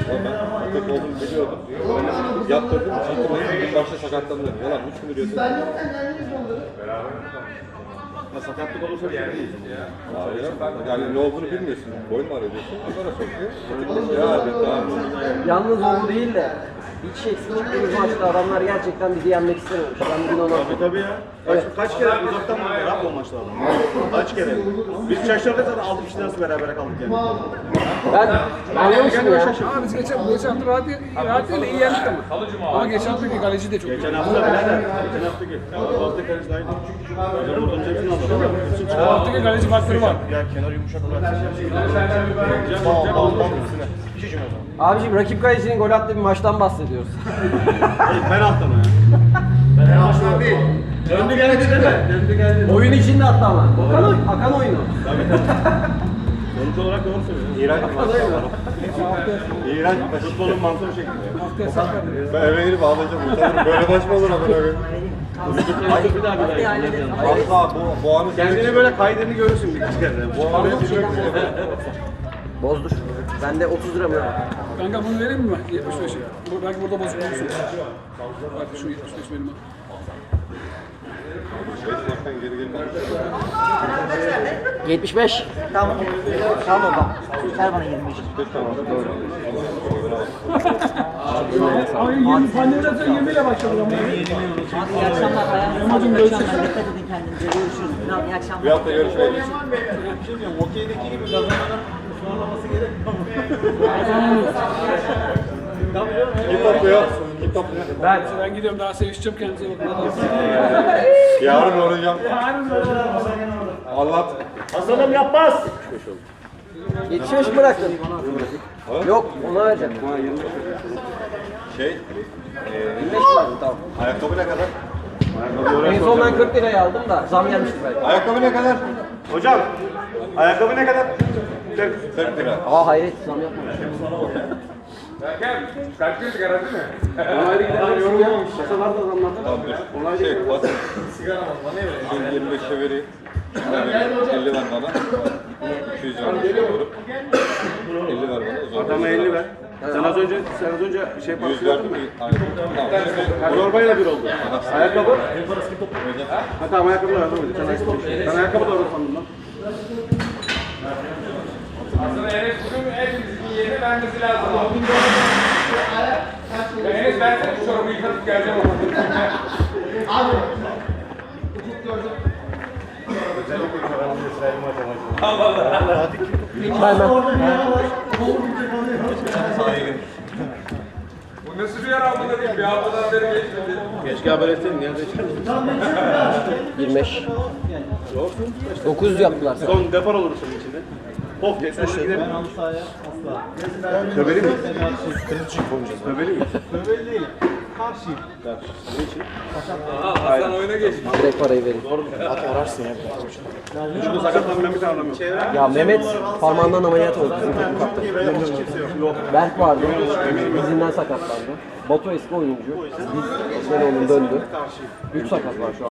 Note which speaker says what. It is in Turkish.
Speaker 1: Ben tek olduğunu biliyordum. Yaptırdım, çıktım, bir başta sakatlandım. Yalan, 3 gün yürüyorsun. Ben yokken geldiniz onları. Ya sakatlık olursa bir şey değil. Yani ne olduğunu bilmiyorsun. Boyun mu arıyorsun? Onlara sokuyor.
Speaker 2: Yalnız o değil de hiç eksik çıktığımız maçta adamlar gerçekten bizi yenmek istememiş. Ben bugün ona...
Speaker 3: Tabii ya. Kaç kere uzaktan mı rap olmaçlar adam? Kaç kere? Biz şaşırdık zaten 6 kişi nasıl beraber kaldık yani.
Speaker 2: Ben anlamışım ya.
Speaker 4: Abi biz geçen hafta rahat değil de iyi yendik ama. Ama geçen haftaki kaleci de çok iyi.
Speaker 3: Geçen hafta birader. Geçen haftaki. Bu hafta kaleci daha iyi. Hocam buradan hepsini aldı.
Speaker 4: Bu haftaki kaleci faktörü var.
Speaker 3: Ya kenar yumuşak bırak. Bir şey cümle.
Speaker 2: Abiciğim rakip kalecinin gol attığı bir maçtan bahsediyoruz.
Speaker 3: Penaltı mı ya? Penaltı değil. Döndü geldi değil mi? Döndü geldi.
Speaker 2: Oyun içinde attı ama. Akan oyunu.
Speaker 3: Sonuç olarak doğru söylüyorsun. İğrenç bir maç. İğrenç bir maç. Futbolun mantığı bu şekilde.
Speaker 1: Ben eve girip ağlayacağım. Utanırım. Böyle maç mı olur ama öyle?
Speaker 3: Bir daha.
Speaker 1: Asla bu anı
Speaker 3: Kendine böyle kaydını görürsün bir kere.
Speaker 1: Bu anı düşmek
Speaker 2: Bozdur. Bende 30 lira mı var?
Speaker 4: Kanka bunu vereyim mi ben? 75'i. Belki burada bozuk olursun. Bak şu 75 benim.
Speaker 2: 75.
Speaker 5: Tamam. Tamam baba. Ver bana 25.
Speaker 4: Ay 20 pandemiden sonra 20 ile başladık ama.
Speaker 5: Abi iyi akşamlar. Ayağınıza sağlık. İyi akşamlar. Dikkat edin kendinize. Görüşürüz. Tamam, iyi akşamlar.
Speaker 1: Bir hafta görüşmeyelim.
Speaker 3: Bir şey diyeyim. Okeydeki gibi kazanmanın ısmarlaması gerekmiyor mu?
Speaker 1: Kim topluyor? Kim topluyor?
Speaker 4: Ben gidiyorum daha sevişeceğim kendinize bakın.
Speaker 1: Yarın olacağım. Anlat.
Speaker 3: Hasan'ım yapmaz.
Speaker 2: 75 mi bıraktın? Yok, ona vereceğim.
Speaker 1: Şey,
Speaker 2: 25 mi verdin? Tamam.
Speaker 1: ayakkabı ne kadar?
Speaker 2: En son ben 40 liraya aldım da zam gelmişti belki.
Speaker 1: Ayakkabı ne kadar?
Speaker 3: Hocam, ayakkabı ne kadar?
Speaker 1: 40 lira.
Speaker 2: Aa hayret zam yapmamış.
Speaker 4: Onaylı gidenler yorulmamış. Kasalar da zamlandı.
Speaker 1: Tamam dur. Şey, basın. Sigara mı? Bana ne vereyim? 25'e vereyim. 50 ver bana. 200 ver. 50 ver bana.
Speaker 3: Adama 50 ver. Sen az önce şey
Speaker 1: 100 verdim mi? Aynen. Tamam.
Speaker 3: Zorbayla bir oldu. Ayakkabı? Ha tamam ayakkabı da var. Ben ayakkabı da var sandım lan.
Speaker 6: Aslında Enes bugün hepimizin yerini vermesi lazım. Enes ben senin çorabı yıkatıp geleceğim ama. Abi. Bu nasıl bir yer almadı değil? Bir haftadan beri geçmedi.
Speaker 3: Keşke haber etseydin. Nerede içerdin?
Speaker 2: 25. 900 yaptılar.
Speaker 3: Son depar olur senin içinde. Of diye sonra gidelim. Ben halı sahaya asla. Töbeli miyiz? Töbeli miyiz? Töbeli değilim. Karşıyım. Ne için?
Speaker 6: Aha Hasan oyuna geçmiş.
Speaker 2: Direkt parayı verin.
Speaker 3: Şurada sakatlanmayan bir tane adam yok.
Speaker 2: Ya Mehmet parmağından ameliyat oldu. Bizim takım kaptanı. Berk vardı. Dizinden sakatlandı. Batu eski oyuncu. Biz onun döndü. 3 sakat var şu an.